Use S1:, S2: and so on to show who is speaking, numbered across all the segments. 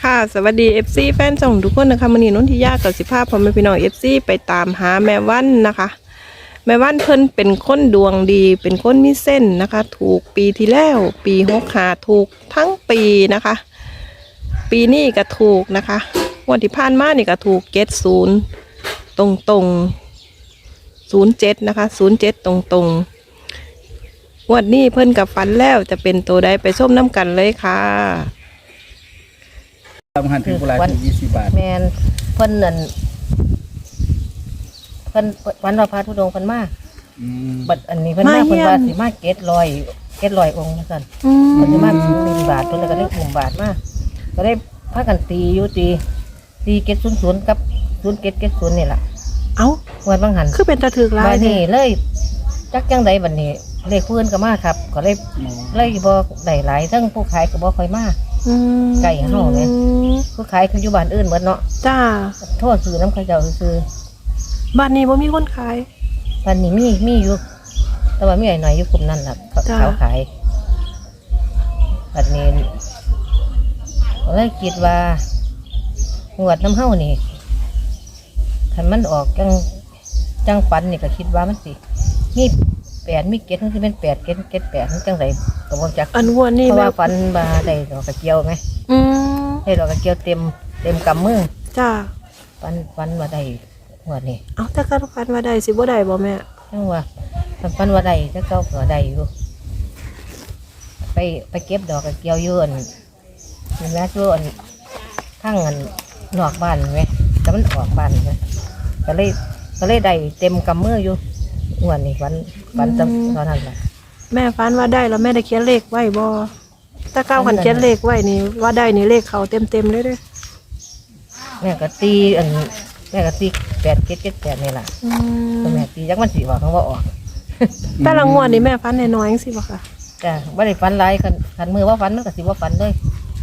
S1: ค่ะสวัสดี FC แฟนช่องทุกคนนะคะมื้อนี้นนทิยากับสิภาพพ่อแม่พี่น้อง FC ไปตามหาแม่วันนะคะแม่วันเพิ่นเป็นคนดวงดีเป็นคนมีเส้นนะคะ ถูกปีที่แล้วปี65ถูกทั้งปีนะคะ ปีนี้ก็ถูกนะคะงวดที่ผ่านมานี่ก็ถูก70ตรง07นะคะ07ตรงงวดนี้เพิ่นกับฝันแล้วจะเป็นตัวใดไปส้มน้ำกันเลยค่ะ
S2: ทำหันถึงโบราณถึง20 บาท
S3: แมนเพิ่นนั่นเพิ่นวันว่าพระธุดงค์เพิ่นมาบัดอันนี้เพิ่นมาเพิ่นว่าสิมาเก็ดลอยองค์ซั่นเพิ่นสิมา1 บาทเพิ่นก็ได้1 บาทมาก็ได้พากันตีอยู่ตีเก็ด00กับ0770นี่ล่ะ
S1: เอ้า
S3: วันบางหัน
S1: คือเป็นตะถึกหลาย
S3: บัดนี้เลยจักจังใดบัดนี้เลขเพิ่นก็มาครับก็เลยบ่ได้หลายทั้งผู้ขายก็บ่ค่อยมาไก่เฮาเนี่ยผู้ขายคืออยู่บ้านอื่นหมดเนาะ
S1: จ้า
S3: โทษซื้อน้ำเขาเจ้าซื้อ
S1: บ้านนี้บ่มีคนขาย
S3: บ้านนี้มีอยู่แต่ว่ามีหน่อยอยู่กลุ่มนั่นล่ะเขาขายบ้านนี้เลยคิดว่างวดน้ำเฮานี่คันมันออกจังฝันนี่ก็คิดว่ามันสิมี8มี7ทั้งที่เป็น8 7 8ทั้งจังไดก็บ่จัก
S1: อันงวดนี้
S3: เพราะว่าฝันว่าได้ดอกกระเจียวไงได้ดอกกระเจียวเต็มกำมือ
S1: จ้า
S3: ฝันว่าได้งวดนี้
S1: เอาแต่การฝันว่าได้สิบ่ได้บ่แม่
S3: จังว่าฝันว่าได้ถ้าเก่าก็ได้อยู่ไปเก็บดอกกระเจียวอยู่อันนี่นะช่วอันข้างอันนอกบ้านไหมแต่มันออกบ้านไหมก็เลยได้เต็มกำมืออยู่งวดนี้ฝันตอนนั้นแหละ
S1: แม่ฝันว่าได้แล้วแม่ได้เขียนเลขไว้บ่ถ้าเก้าขันเขียนเลขไว้นี่ว่าได้นี่เลขเขาเต็มเลยเด้อ
S3: แม่ก็ตี8 7 7 8นี่แหละแม่ตีจักมันสิว่าเขาว่าออก
S1: แต่ละงวดนี่แม่ฝันน้อยๆจังซี่บ่ค่ะ
S3: จ้ะบ่ได้ฝันหลายคันมือว่าฝันมันก็สิบ่ฝันเลย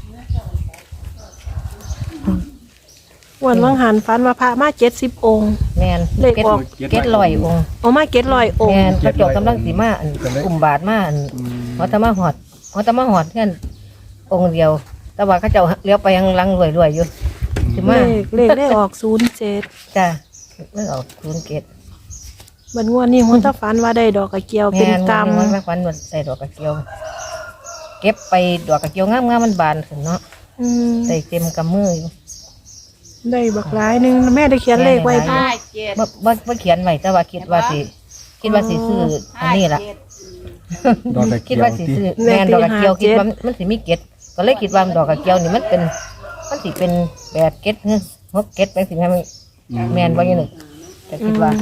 S1: วันวังหันฝันว่าพระมา70 องค์
S3: แม่น
S1: เลขออก
S3: 700 องค์
S1: เอามา700 องค์
S3: แม่นพระเจ้ากำลังสิมากลุ่มบาทมาเขาจะมาหอดเพื่อนองค์เดียวแต่ว่าเขาเจ้าเลี้ยวไปยังลังรวยอยู่สิมา
S1: เลขได้ออก07
S3: จ้ะเลขออก
S1: บัดงวดนี้ฮู้ถ้าฝันว่าได้ดอกกระเจียวเป็นกำ
S3: มันฝันว่าใส่ดอกกระเจียวเก็บไปดอกกระเจียวงามๆมันบานขึ้นเนาะใส่เต็มกำมืออยู่
S1: ได้บักหลายนึงแม่ได้เขียนเลขไว้
S3: บ่เขียนไว้แต่ว่าคิดว่าสิซื้ออันนี้ล่ะคิดว่าสิซื้อแม่นดอกกระเจียวคิดว่ามันสิมีเกล็ดก็เลยคิดว่าดอกกระเจียวนี่มันสิเป็น8 เกล็ดหรือ6 เกล็ดเป็นสิแม่นบ่อยู่นึกแต่คิดว่า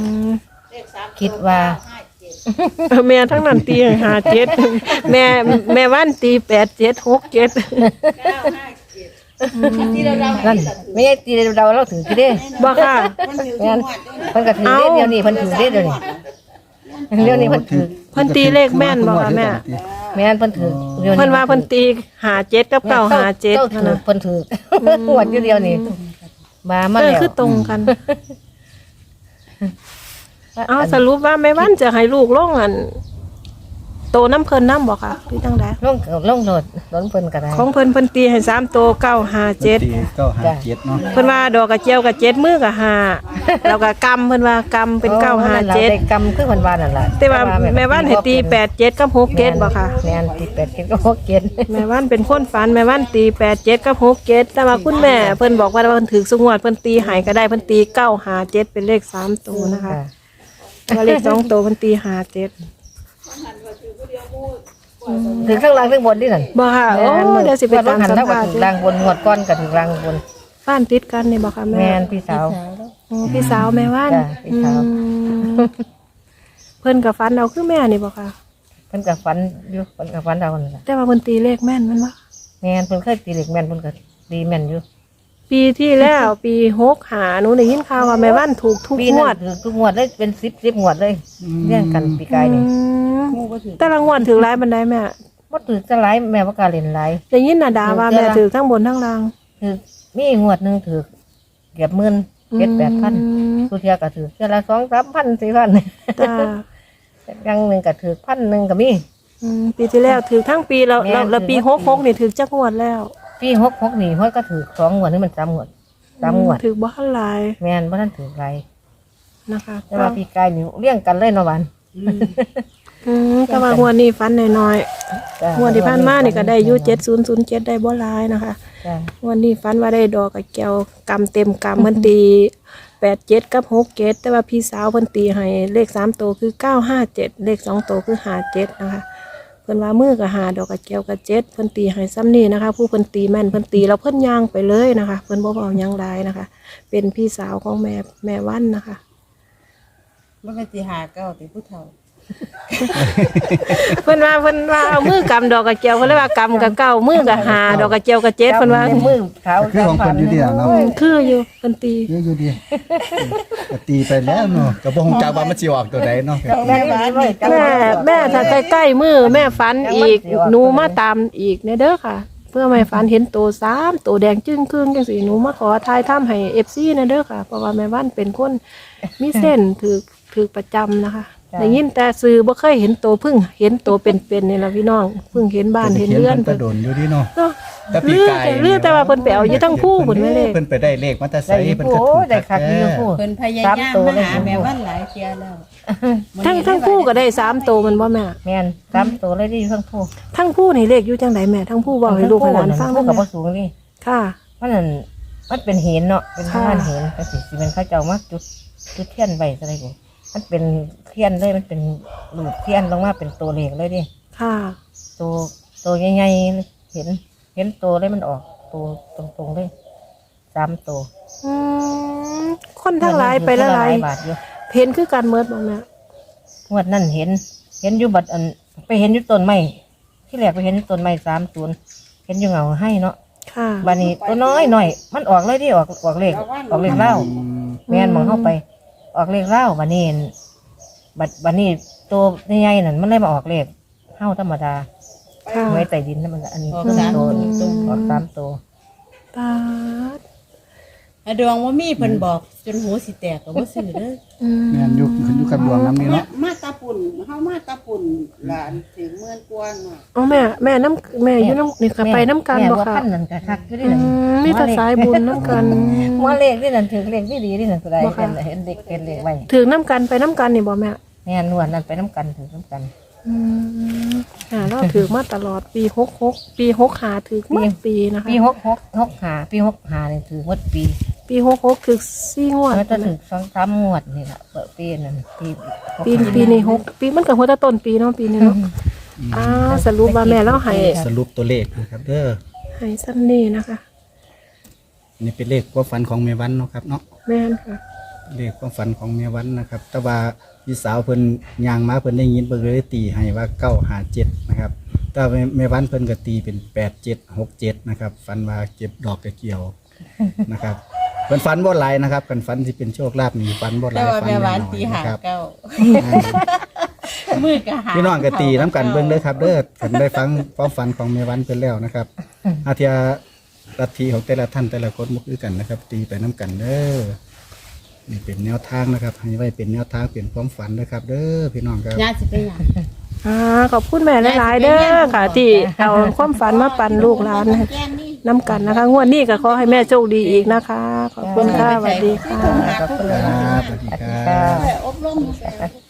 S1: แม่ทั้งนั้นตี57แม่วันตี8 7 6 7
S3: นั่นไม่ใช่ตีเราถือกี่เด้
S1: บ่ค่ะ
S3: งั้นเพิ่นก็ถือเดี๋ยวนี้เพิ่นถือเดี๋ยวนี้เ
S1: พิ่นตีเลขแม่นบ่ค่ะแม่
S3: นเพิ่นถือ
S1: เพิ่นว่าเพิ่นตี57กับ957
S3: เพิ่นถือหวดอยู่เดียวนี่มาแล้ว
S1: คือตรงกันเอาสรุปว่าแม่วันจะให้ลูกลงอันโตน้ำเพิ่นน้ำบ่ค่ะหรือจังได๋
S3: ลงโหลดเพิ่นก็ได้
S1: ของเพิ่นตีให้3โต957
S2: เนาะ
S1: เพิ่นว่าดอกกระเจียวกับ7มือกับ5แล้วก็กำเพิ่นว่ากำเป็น957
S3: กำคือเพิ่นว่านั่นล่ะ
S1: แต่ว่าแม่วันให้ตี87กับ67บ่ค่ะ
S3: แม่นตี87กับ67
S1: แม่วันเป็นคนฝันแม่วันตี87กับ67แต่ว่าคุณแม่เพิ่นบอกว่าเพิ่นถือสุงวดเพิ่นตีให้ก็ได้เพิ่นตี957เป็นเลข3โตนะคะว่าเลข2โตเพิ่นตี57
S3: ถึงข้างล่างถึงบนนี่นั่น
S1: บ่ค่ะโอ้เดี๋ยวสิไปตามสัมภาษณ์
S3: ล่างบนหวดก้อนกับถึงล่างบน
S1: บ้านติดกันนี่บ่ค่ะแม่
S3: พี่สาว
S1: พี่สาวแม่ว่าน
S3: พี่สาว
S1: เพิ่นกับฟันเอาคือแม่นี่บ่ค่ะ
S3: เพิ่นกับฟันอยู่เพิ่นกับฟันเอาน่ะ
S1: แต่ว่าเพิ่นตีเลขแม่นมันบ่
S3: แม่นเพิ่นเคยตีเลขแม่นเพิ่นก็ตีแม่นอยู่
S1: ปีที่แล้วปี65หนูได้ยินข่าวว่าแม่ว่านถูกทุกงวด
S3: ทุกงวดเลยเป็น10งวดเลยเรียงกันปีกายนี่
S1: แต่ละงวดถึงหลายบันไดแม่
S3: บ่ถือจะหลายแม่บ่กล้าเล่นหลาย
S1: ได้ยินน่ะด่าว่าแม่ถือทั้งบนทั้งล่าง
S3: ถือมีงวดนึงถือเกือบ10,000 7-8,000สุเทียก็ถือเทื่อละ 2-3,000 4,000จ้าอย่างนึงก็ถือ1,000ก็มี
S1: ปีที่แล้วถือทั้งปีแล้วปี66นี่ถือจักงวดแล้ว
S3: ปี66นี่ห้อยก็ถือ2งวดนี่มัน3งวด3งวด
S1: ถือบ่หลาย
S3: แม่นบ่ทันถือไร
S1: นะคะ
S3: แต่ว่าปีกายนี่เลี้ยงกันเลยเนาะหวาน
S1: แต่ว่างวดนี้ฟันน้อย
S3: จ้ะ
S1: ๆงวดที่ผ่านมานี่ก็ได้อยู่7007ได้บ่หลายนะคะ
S3: จ้ะ
S1: งวันนี้ฟันว่าได้ดอกกับแก้วกำเต็มกำเพิ่นตี87กับ67แต่ว่าพี่สาวเพิ่นตีให้เลข3ตัวคือ957เลข2ตัวคือ57นะคะเพิ่นว่ามือก็หาดอกกับแก้วกับ7เพิ่นตีให้ซ้ำนี้นะคะ ผู้เพิ่นตีแม่นเพิ่นตีแล้วเพิ่นย่างไปเลยนะคะเพิ่นบ่เว้าหยังหลายนะคะ เป็นพี่สาวของแม่วันนะคะ
S4: มันเป็นตีหาเก้าตีผู้เฒ่า
S1: เพิ่นว่าเอามือกำดอกกับแก้วเพิ่นเลยว่ากำกับเก้ามือก็หาดอกกับแก้วกับ7เพิ่นว่า
S3: ในมือขาว
S2: คือของเพิ่นอยู่เดียวเนาะ
S1: คืออยู่เพิ่นตี
S2: เยอะอยู่ดีก็ตีไปแล้วเนาะก็บ่ฮู้จักว่ามันสิออกตัวใดเนาะ
S3: แม่บ้านไว้กัน
S1: แม่ถ้าใกล้ๆมือแม่ฝันอีกหนูมาตามอีกเด้อค่ะ เพื่อแม่ฝันเห็นตัว3ตัวแดงจึ้งครึ่งจังสีหนูมาขอทายถ้ำให้ FC นะเด้อค่ะเพราะว่าแม่ว่านเป็นคนมีเส้นถือประจำนะคะได้ยินแต่ซื้อบ่เคยเห็นตัวเพิ่งเห็นตัวเป็นๆนี่ล่ะพี่น้องเพิ่งเห็นบ้านเห็นเรือน
S2: เพิ่นโดนอยู่ดีเนาะ
S1: เนาะ
S2: แต่ปีกาย
S1: เลือแต่ว่าเพิ่นไปเอาอยู่ทั้งผู้เพิ่นไม่เลข
S2: เพิ่นไปได้เลขมาแต่ไส
S3: ได้
S2: เพิ่น
S3: ผู้
S2: ก็ถูก
S3: ได้คักอยู่ผู้
S4: เพิ่นพยายามมาหาแม่วันหลายเที่ยแล้ว
S1: ทั้งผู้ก็ได้3ตัวมันบ่แม่
S3: แม่น3ตัวเลยที่ทั้งผู้
S1: ทั้งผู้นี่เลขอยู่จังไดแม่ทั้งผู้เว้าให้ลูกให้หลานฟัง
S3: ผู้
S1: นำ
S3: กับ
S1: แม่
S3: บ่สูงนี่
S1: ค่ะ
S3: มันนั่นมันเป็นเห็นเนาะเป็นบ้านเห็นก็สิเป็นเขาเจ้ามาจุดเทียนไว้อะไรกูมันเป็นเทียนเลยมันเป็นหลูดเทียนลงมาเป็นตัวเลขเลยดิ
S1: ค่ะ
S3: ตัวใหญ่ๆเลยเห็นตัวเลยมันออกตัวตรงๆเลย3ตัว
S1: อืมคนทั้งหลายไปละหลาย
S3: บาทอยู่
S1: เห็นคือการเมิดบ่แม่
S3: งวดนั่นเห็นอยู่บัดอันไปเห็นอยู่ต้นไม้ที่แรกไปเห็นอยู่ต้นไม้30เห็นอยู่เงาให้เนาะ
S1: ค่ะ
S3: บานี้ตัวน้อยหน่อยมันออกเลยดิออกเลขเล่าแม่นมองเข้าไป ออกเลขเล่าบานี้บานี้ตัวใหญ่ๆนั่นมันเลยมาออกเลขเท่าธรรมดา
S1: ค่ะ
S3: ไว้ใต้ดินนั่นมันอันนี้
S4: ออก
S3: ตัว
S4: 3ตัว
S3: ออก3ตัว
S1: ตาด
S4: ดวงว่ามีเพิ่นบอกจนหูสิแตกก็บ่ซื้อเด้อ
S1: อืม
S2: แม่นอยู่ขึ้นอยู่กับดวงนำนี่เนาะ
S4: มาตาปุ่นเฮามาตาปุ่นหลานถึงเมืองกวนน่ะ
S1: อ๋อแม่น้ำแม่อยู่น้ำนี่ก็ไปน้ำกัน
S3: แม่
S1: บ่
S3: ว่า
S1: ค่ะ
S3: พันนั่นก็คักอยู่ดิ
S1: อื
S3: นั่น
S1: มมีแต่สายบุญน้ำกัน
S3: ว่าเลขนี่นั่นถึงเลขที่ดีนี่นั่นก็ได้
S1: บ่ค่ะ
S3: เห็นเด็กเป็นเลขไว้
S1: ถึงน้ำกันไปน้ำกันนี่บ่แม่
S3: แม่นวลนั่นไปน้ำกันถึงน้ำกัน
S1: อืมเราถือมาตลอดปี66ปี65ถือมาปีนะคะ
S3: ปี6ปี65นี่ถือหมดปี
S1: ปี66ถือ4งวด
S3: มันจะถึง2-3งวดนี่ล่ะเปิดปีนั่น
S1: ปีนี้6ปีมันก็หัวแตะต้นปีเนาะปีนี้เนาะสรุปว่าแม่เราให้
S2: สรุปตัวเลขนะครับเด้อ
S1: ให้ซ้ำนี่นะคะ
S2: นี่เป็นเลขความฝันของแม่วันเนาะครับเนาะ
S1: แม่นค่ะ
S2: เลขความฝันของแม่วันนะครับ แต่ว่าพี่สาวเพิ่นย่างมาเพิ่นได้ยินเพิ่นเลยตีให้ว่า957นะครับ แต่ว่าแม่วันเพิ่นก็ตีเป็น8767นะครับฝันว่าเก็บดอกกระเกี่ยวนะครับเพิ่นฝันบ่หลายนะครับกันฝันที่เป็นโชคลาภนี่ฝันบ่ห
S4: แต่
S2: ลาย
S4: ว่า
S2: ฝัน
S4: แม่หวาน
S2: น้อย
S4: ตี
S2: ๆ
S4: หา
S2: นะครับ
S4: เก้ามือก็หา
S2: พี่น้องก็ตีน้ำกันเบิ่งเด้อครับเด้อผมได้ฟังความฝันของแม่วันเพิ่นแล้วนะครับอาเทียลัทธิของแต่ละท่านแต่ละคนบ่คือกันนะครับ ตีไปน้ำกันเด้อนี่เป็นแนวทางนะครับให้ไว้เป็นแนวทางเป็นความฝันนะครับ เด้อพี่น้องครับ
S4: ญาติสิไปหยัง
S1: ขอบคุณแม่หลายๆเด้อค่ะ ที่เอาความฝันมาปั่นลูกหลานให้น้ำกันนะคะงวดนี้ก็ขอให้แม่โชคดีอีกนะคะ ขอบคุณค่ะสวัสดีค่ะ
S3: ขอบคุณ
S2: ครับสวัสดีครับ
S4: อบรม